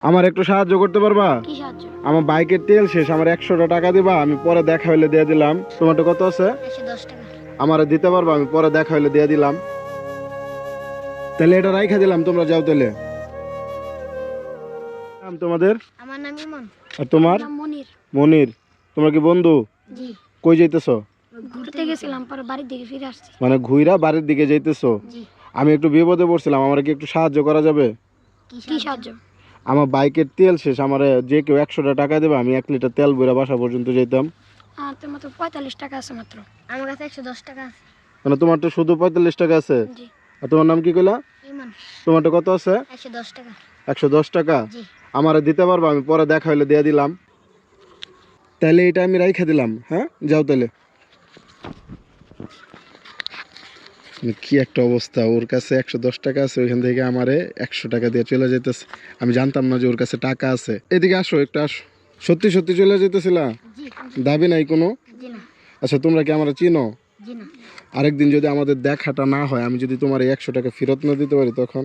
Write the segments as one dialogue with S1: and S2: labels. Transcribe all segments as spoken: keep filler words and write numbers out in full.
S1: আমার একটু সাহায্য করতে পারবা?
S2: কি সাহায্য?
S1: আমার বাইকের তেল শেষ, আমার একশোটা টাকা দিবা, আমি পরে দেখা হইলে দিয়ে দিলাম। টমেটো কত আছে?
S2: একশো দশ টাকা।
S1: আমার দিতে পারবা? আমি পরে দেখা হইলে দিয়ে দিলাম। তাহলে এটা রাইখা দিলাম, তোমরা যাও তাহলে। নাম তোমাদের?
S2: আমার নাম ইমন।
S1: আর তোমার?
S2: নাম মনির।
S1: মনির। তোমরা কি বন্ধু?
S2: জি।
S1: কই যাইতেছো?
S2: ঘুরতে গেছিলাম, পরে বাড়ির দিকে ফিরে আসছি।
S1: মানে ঘুইরা বাড়ির দিকে যাইতেছো?
S2: জি।
S1: আমি একটু বিপদে পড়ছিলাম, আমার কি একটু সাহায্য করা যাবে?
S2: কি সাহায্য?
S1: আমার বাইকের তেল শেষ, আমার যে কেউ একশোটা টাকা দেবে, আমি এক লিটার তেল বইরা বাসা পর্যন্ত যেতাম।
S2: আর তোমার তো পঁয়তাল্লিশ টাকা আছে মাত্র। আমার কাছে একশো দশ টাকা আছে।
S1: মানে তোমার তো শুধু পঁয়তাল্লিশ টাকা আছে?
S2: জি।
S1: আর তোমার নাম কি কইলা?
S2: ইমন।
S1: তোমারটা কত আছে?
S2: একশো দশ টাকা।
S1: একশো দশ টাকা?
S2: জি।
S1: আমার দিতে পারবো? আমি পরে দেখা হইলে দিয়ে দিলাম। তাহলে এটা আমি রাইখা দিলাম। হ্যাঁ, যাও তাহলে। কি একটা অবস্থা, ওর কাছে একশো দশ টাকা আছে, ওইখান থেকে আমারে একশো টাকা দিয়ে চলে যেতেছে। আমি জানতাম না যে ওর কাছে টাকা আছে। এদিকে আসো, একটু আসো। সত্যি সত্যি চলে যেতেছিলা?
S2: জি।
S1: দাবি নাই কোনো?
S2: জি না।
S1: আচ্ছা, তোমরা কি আমরা চিনো?
S2: জি না।
S1: আরেকদিন যদি আমাদের দেখাটা না হয়, আমি যদি তোমার এই একশো টাকা ফেরত না দিতে পারি, তখন?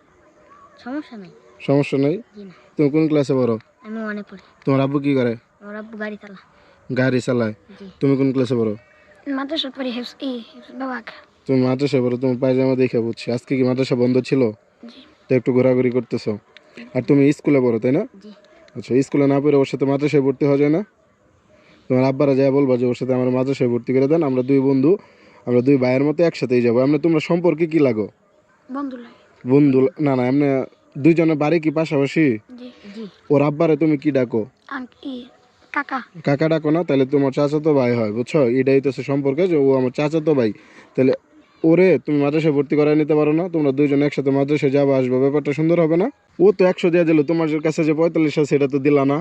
S2: সমস্যা নাই।
S1: সমস্যা নেই?
S2: জি না।
S1: তুমি কোন ক্লাসে পড়ো?
S2: আমি ওয়ানে পড়ি।
S1: তোমার আব্বু কি করে?
S2: আমার আব্বু গাড়ি চালা।
S1: গাড়ি চালায়?
S2: জি।
S1: তুমি কোন ক্লাসে পড়ো?
S2: মাদ্রাসা পড়ি হেফস ই বাবাক।
S1: তুমি মাদ্রাসা পড়ো, তুমি পায়জামা দেখে বুঝছি। আজকে কি মাদ্রাসা বন্ধ ছিল?
S2: জি।
S1: তো একটু ঘোরাঘুরি করতেছো। আর তুমি স্কুলে পড়ো, তাই না?
S2: জি।
S1: আচ্ছা, স্কুলে না পড়ে ওর সাথে মাদ্রাসায় ভর্তি হওয়া যায় না? তোমার আব্বারা যা বলবা যে ওর সাথে আমার মাদ্রাসায় ভর্তি করে দেন, আমরা দুই বন্ধু, আমরা দুই ভাইয়ের মতো একসাথেই যাবো। আমরা তোমরা সম্পর্কে কি লাগো?
S2: বন্ধু লাগে।
S1: বন্ধু? না না, এমনি দুইজনের বাড়ি কি পাশাপাশি?
S2: জি। জি।
S1: ওর আব্বারে তুমি কি ডাকো?
S2: আঙ্ক ই কাকা।
S1: কাকা ডাকো না? তাহলে তোমার চাচাতো ভাই হয়, বুঝছো? এটাই তো সম্পর্কে যে ও আমার চাচাতো ভাই। তাহলে ওরে তুমি মাদ্রাসায় ভর্তি করায় নিতে পারো না? তোমরা দুইজন একসাথে মাদ্রাসায় যাবো আসবো, ব্যাপারটা সুন্দর হবে না? ও তো একশো দিয়ে দিল, তোমার কাছে যে পঁয়তাল্লিশ আছে সেটা তো দিলা না।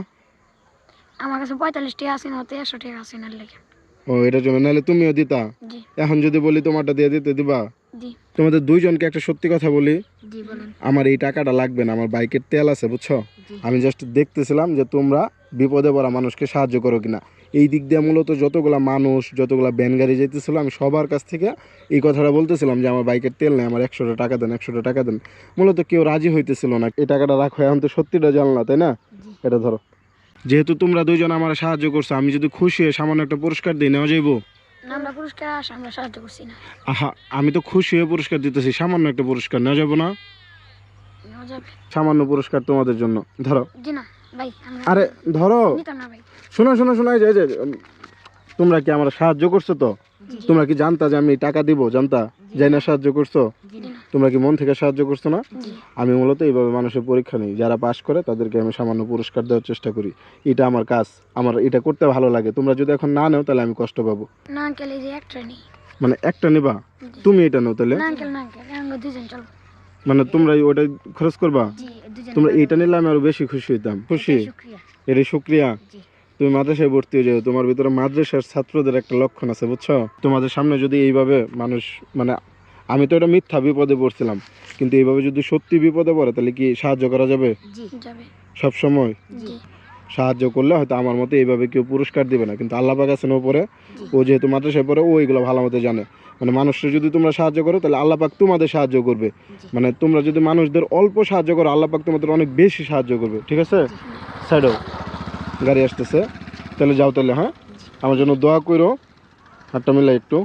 S2: আমার কাছে পঁয়তাল্লিশ টাকা আছে না, তো একশো টাকা আছে না লেগে।
S1: ও, এটার জন্য নাহলে তুমিও দিতা।
S2: জি।
S1: এখন যদি বলি তোমারটা দিয়ে দিতে দিবা?
S2: জি।
S1: তোমাদের দুইজনকে একটা সত্যি কথা বলি,
S2: জি বলেন।
S1: আমার এই টাকাটা লাগবে না, আমার বাইকের তেল আছে, বুঝছো?
S2: জি।
S1: আমি জাস্ট দেখতেছিলাম যে তোমরা বিপদে পড়া মানুষকে সাহায্য করো কিনা। এই দিক দিয়ে মূলত যতগুলা মানুষ, যতগুলা ভ্যান গাড়ি যেতেছিল, আমি সবার কাছ থেকে এই কথাটা বলতেছিলাম যে আমার বাইকের তেল নেই, আমার একশোটা টাকা দেন, একশোটা টাকা দেন। মূলত কেউ রাজি হইতেছিল না। এই টাকাটা রাখো, এখন তো সত্যিটা জানলা, তাই না? এটা ধরো। যেহেতু তোমরা দুইজন আমার সাহায্য করছো, আমি যদি খুশি হয়ে সামান্য একটা পুরস্কার দিই, নেওয়া যাইবো?
S2: না, আমরা পুরস্কার আস আমরা সাহায্য করছি না।
S1: আহা, আমি তো খুশি হয়ে পুরস্কার দিতেছি, সামান্য একটা পুরস্কার নেওয়া যাবো না?
S2: নেওয়া যাবে।
S1: সামান্য পুরস্কার তোমাদের জন্য, ধরো।
S2: জি না ভাই, আমরা
S1: আরে ধরো।
S2: নিতাম না ভাই।
S1: শোনো শোনো শোনো, এই যে এই যে, তোমরা কি আমার সাহায্য করছো তো? তোমরা কি জানতা যে আমি টাকা দিব? জানতা? যাই না সাহায্য করছো?
S2: জি না।
S1: তোমরা কি মন থেকে সাহায্য করছো না?
S2: জি।
S1: আমি মূলত এইভাবে মানুষের পরীক্ষা নিই, যারা পাস করে তাদেরকে আমি সামান্য পুরস্কার দেওয়ার চেষ্টা করি। এটা আমার কাজ, আমার এটা করতে ভালো লাগে। তোমরা যদি এখন না নেও তাহলে আমি কষ্ট পাবো।
S2: না আঙ্কেল, এই যে একটা নেই।
S1: মানে একটা নিবা? তুমি এটা নাও তাহলে।
S2: না আঙ্কেল, না আঙ্কেল, আমরা দুজন চলবো।
S1: মানে তোমরা ওটা খরচ করবা?
S2: জি, দুজন।
S1: তোমরা এইটা নিলে আমি আরো বেশি খুশি হইতাম। খুশি?
S2: শুকরিয়া।
S1: এটাই শুক্রিয়া।
S2: জি।
S1: তুমি মাদ্রাসায় ভর্তি হয়ে যাও, তোমার ভিতরে মাদ্রাসার ছাত্রদের একটা লক্ষণ আছে, বুঝছো? তোমাদের সামনে যদি এইভাবে মানুষ, মানে আমি তো এটা মিথ্যা বিপদে পড়ছিলাম, কিন্তু এইভাবে যদি সত্যি বিপদে পড়ে তাহলে কি সাহায্য করা যাবে?
S2: জি যাবে।
S1: সব সময়
S2: জি।
S1: সাহায্য করলে হয়তো আমার মতো এইভাবে কেউ পুরস্কার দিবে না, কিন্তু আল্লাহ পাক আছেন ওপরে, ও যেহেতু মাদ্রাসায় পড়ে, ও এগুলো ভালো মতো জানে। মানে মানুষের যদি তোমরা সাহায্য করো তাহলে আল্লাহ পাক তোমাদের সাহায্য করবে। মানে তোমরা যদি মানুষদের অল্প সাহায্য করো, আল্লাহ পাক তোমাদের অনেক বেশি সাহায্য করবে। ঠিক আছে? সাইডও গাড়ি আসতেছে, তাহলে যাও তাহলে। হ্যাঁ, আমার জন্য দোয়া করো। হাতটা মিলাই একটু,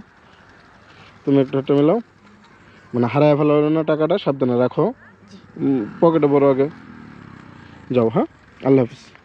S1: তুমি একটু হাতটা মিলাও। মানে হারায় ফেলো না টাকাটা, সাবধানে রাখো, পকেটে বড় আগে। যাও। হ্যাঁ, আল্লাহ হাফিজ।